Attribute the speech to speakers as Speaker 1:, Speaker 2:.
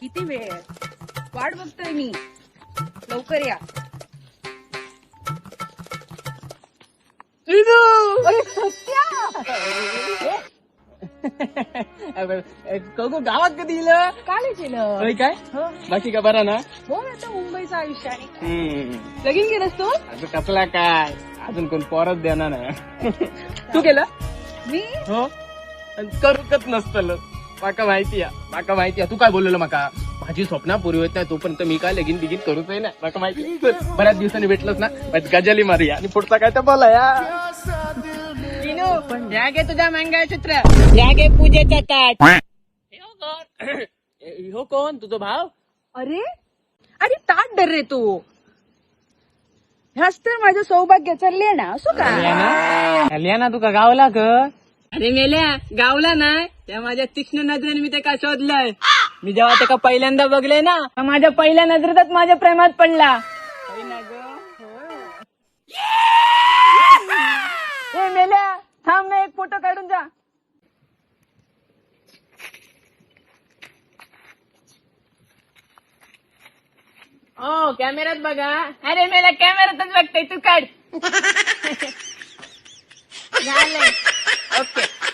Speaker 1: किती वेळ आहे? वाट बघतोय मी. लवकर या. अरे सत्या!
Speaker 2: गावात कधी येलं
Speaker 1: कालच येलं.
Speaker 2: होय काय
Speaker 1: हो.
Speaker 2: बाकी का बरा ना
Speaker 1: हो आता मुंबईचं आयुष्य आहे. लगीन केलंस तू?
Speaker 2: अजून कसला काय अजून कोण परत देणार नाही तू केलं
Speaker 1: मी
Speaker 2: हो आणि करूकच नसतलं माका माहिती तू काय बोललेलं माका माझी स्वप्न पुरी होत नाही तोपर्यंत मी काय लगीन बिगीन करूच आहे ना माका माहिती बऱ्याच दिवसांनी भेटलंच ना गजाली मारूया आणि पुढचा काय तर बोला या पण घ्या गे तुझ्या मंगळसूत्र घ्या गे पूजेचा ताट हो कोण तुझा भाव
Speaker 1: अरे अरे ताट डर रे तू. ह्याच तर माझं सौभाग्य चालले ना असो का.
Speaker 2: ना तुका गावला ग अरे मेल्या गावला नाही त्या माझ्या तीक्ष्ण नजरेने मी त्याला शोधलंय मी जेव्हा त्याला पहिल्यांदा बघले ना माझ्या पहिल्या नजरेतच माझ्या प्रेमात पडला ए मेल्या थांब ना एक फोटो काढून जा. ओ कॅमेऱ्यात बघा अरे मेल्या कॅमेऱ्यातच बघताय तू काढ झालंय ओके